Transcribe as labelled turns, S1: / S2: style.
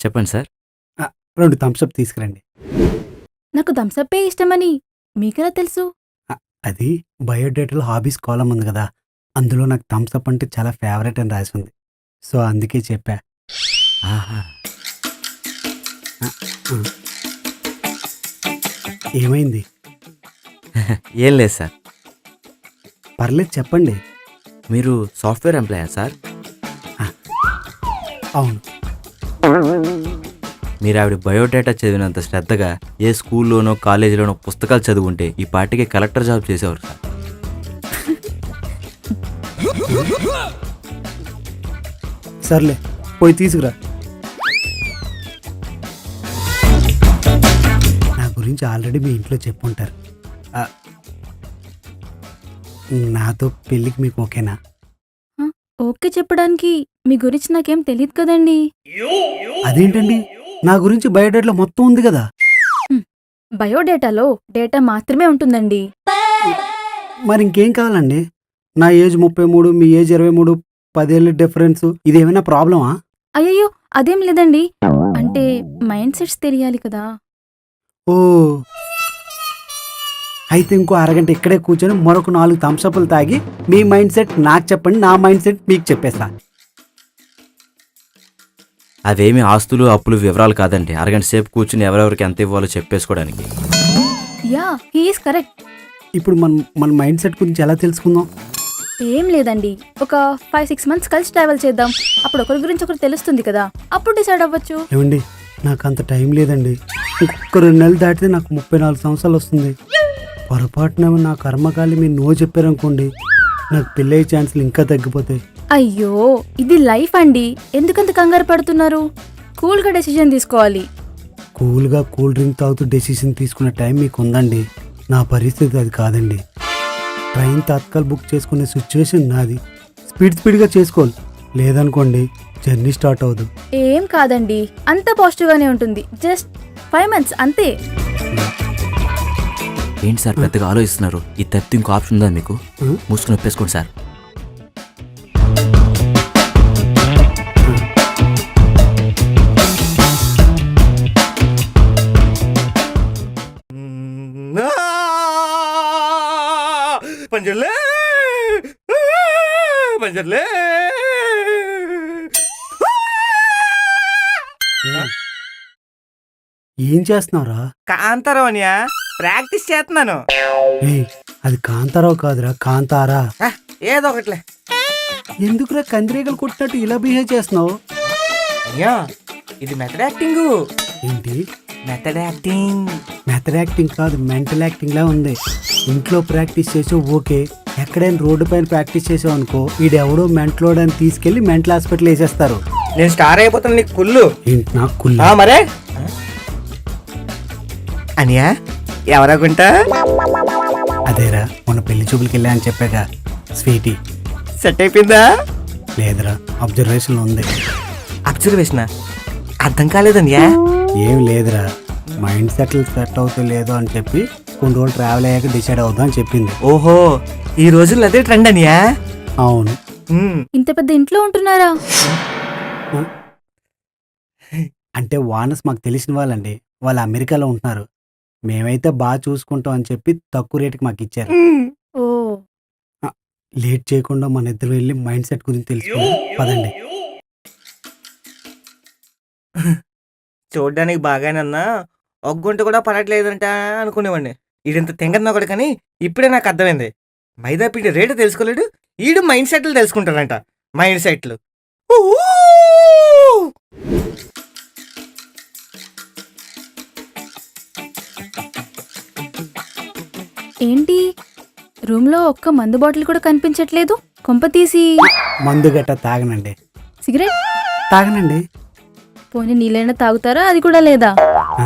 S1: చెప్పండి sir.
S2: 2 Thums Up తీసుకురండి.
S3: నాకు థమ్సప్పే ఇష్టమని మీకెలా తెలుసు?
S2: అది బయోడేటాలో హాబీస్ కాలం ఉంది కదా, అందులో నాకు థమ్సప్ అంటే చాలా ఫేవరెట్ అని రాసి ఉంది. సో అందుకే చెప్పా.
S1: ఆహా!
S2: ఏమైంది?
S1: ఏం లేదు సార్.
S2: పర్లేదు చెప్పండి.
S1: మీరు సాఫ్ట్‌వేర్ ఎంప్లాయా సార్?
S2: అవును.
S1: మీరు ఆవిడ బయోడేటా చదివినంత శ్రద్ధగా ఏ స్కూల్లోనో కాలేజీలోనో పుస్తకాలు చదువుంటే ఈ పార్టీకి కలెక్టర్ జాబ్ చేసేవారు సార్.
S2: సర్లే పోయి తీసుకురా. నా గురించి ఆల్రెడీ మీ ఇంట్లో చెప్పుంటారు. నాతో పెళ్ళికి మీకు ఓకేనా?
S3: ఓకే చెప్పడానికి మీ గురించి నాకేం తెలియదు కదండి.
S2: అదేంటండి, నా గురించి బయోడేటాలో మొత్తం ఉంది కదా.
S3: బయోడేటాలో డేటా మాత్రమే ఉంటుందండి.
S2: మరి ఇంకేం కావాలండి? నా ఏజ్ 33, మీ ఏజ్ 23, 10 ఏళ్ళ డిఫరెన్స్. ఇదేమైనా ప్రాబ్లమా?
S3: అయ్యయ్యో అదేం లేదండి. అంటే మైండ్ సెట్స్ తెలియాలి కదా.
S2: ఓ, అయితే ఇంకో అరగంట ఇక్కడే కూర్చొని మరొక 4 థమ్సప్లు తాగి మీ మైండ్ సెట్ నాకు చెప్పండి, నా మైండ్ సెట్ మీకు చెప్పేస్తా.
S1: అవేమి ఆస్తులు అప్పులు వివరాలు కాదండి. అరగంట సేపు కూర్చుని ఎవరెవరికి ఎంత ఇవ్వాలో చెప్పేసుకోవడానికి.
S3: Yeah he is correct.
S2: ఇప్పుడు మన మైండ్ సెట్ గురించి ఎలా తెలుసుకుందాం?
S3: ఏం లేదండి, ఒక 5-6 మంత్స్ కలిసి ట్రావెల్ చేద్దాం. అప్పుడు ఒకరి గురించి ఒకరు తెలుస్తుంది కదా, అప్పుడు డిసైడ్ అవ్వచ్చు.
S2: ఏమండి, నాకు అంత టైం లేదండి. ఇంకొక 2 నెలలు దాటితే నాకు 34 సంవత్సరాలు వస్తుంది. పొరపాటున నా కర్మకాలి మీరు నో చెప్పారనుకోండి, నాకు పెళ్ళయ్యే ఛాన్సులు ఇంకా తగ్గిపోతాయి.
S3: అయ్యో ఇది లైఫ్ అండి, ఎందుకంత కంగారు పడుతున్నారు? కూల్గా డెసిషన్ తీసుకోవాలి.
S2: కూల్గా కూల్ డ్రింక్ తాగుతూ డెసిషన్ తీసుకునే టైం మీకు ఉందండి. నా పరిస్థితి అది కాదండి. ట్రైన్ తత్కాల్ బుక్ చేసుకునే సిచ్యువేషన్ నాది. స్పీడ్గా చేసుకోవాలి, లేదనుకోండి జర్నీ స్టార్ట్ అవ్వదు.
S3: ఏం కాదండి, అంత పాజిటివ్గానే ఉంటుంది. జస్ట్ 5 months అంతే.
S1: ఏంటి సార్ పెద్దగా ఆలోచిస్తున్నారు? ఈ తప్పితే ఇంకో ఆప్షన్ ఉందా మీకు? మూసుకుని ఒప్పేసుకోండి సార్.
S4: పంజర్లే పంజర్లే
S2: ఏం చేస్తున్నావురా?
S4: కాంతారావు అనియా, ప్రాక్టీస్ చేస్తున్నాను.
S2: ఏయ్, అది కాంతారావు కాదురా, కాంతారా.
S4: ఏదో ఒకట్లే.
S2: ఎందుకురా కందిరీగలు కొట్టినట్టు ఇలా బిహేవ్ చేస్తున్నావు?
S4: అయ్యా ఇది మెథడ్ యాక్టింగ్.
S2: ఏంటి
S4: మెథడ్ యాక్టింగ్?
S2: మెథడ్ యాక్టింగ్ కాదు, మెంటల్ యాక్టింగ్ లా ఉంది. ఇంట్లో ప్రాక్టీస్ చేసావు ఓకే, ఎక్కడైనా రోడ్డు పైన ప్రాక్టీస్ చేసావు అనుకో, వీడెవడో మెంటలోడ్ అని తీసుకెళ్లి మెంటల్ హాస్పిటల్ వేసేస్తారు.
S4: నేను స్టార్ అయిపోతాను నీకు కుళ్ళు.
S2: ఏంటి నాకు కుళ్ళు?
S4: మరే అనియా ఎవరాగుంటా?
S2: అదేరా మొన్న పెళ్లి చూపులకి వెళ్ళా అని చెప్పాక, స్వీటీ.
S4: సెట్ అయిపోయిందా?
S2: లేదురా, అబ్జర్వేషన్ ఉంది.
S4: అబ్జర్వేషన్ అర్థం కాలేదనియా.
S2: ఏం లేదురా, మైండ్ సెట్ అవుతూ లేదో అని చెప్పి కొన్ని రోజులు ట్రావెల్ అయ్యాక డిసైడ్ అవుదాం అని చెప్పింది.
S4: ఓహో, ఈ రోజుల్లో అదే ట్రెండ్ అనియా.
S2: అవును.
S3: ఇంత పెద్ద ఇంట్లో ఉంటున్నారా?
S2: అంటే వానస్ మాకు తెలిసిన వాళ్ళండి, వాళ్ళు అమెరికాలో ఉంటున్నారు. మేమైతే బాగా చూసుకుంటాం అని చెప్పి తక్కువ రేటుకి మాకు ఇచ్చారు.
S3: ఓ,
S2: లేట్ చేయకుండా మన ఇద్దరు వెళ్ళి మైండ్ సెట్ గురించి తెలుసుకుందాం పదండి.
S4: చూడ్డానికి బాగానన్నా ఒగ్గుంట కూడా పడట్లేదంట అనుకునేవాడిని. ఈడింత తెంగన్నా కూడా, కానీ ఇప్పుడే నాకు అర్థమైంది. మైదాపిండి రేటు తెలుసుకోలేడు, ఈడు మైండ్ సెట్లు తెలుసుకుంటాడంట. మైండ్ సెట్లు
S3: ఏంటి రూమ్లో ఒక్క మందు బాటిల్ కూడా కనిపించట్లేదు? కొంప తీసి
S2: మందు గట్ట తాగనండి.
S3: సిగరెట్
S2: తాగనండి.
S3: పోనీ నీళ్ళైనా తాగుతారా? అది కూడా లేదా?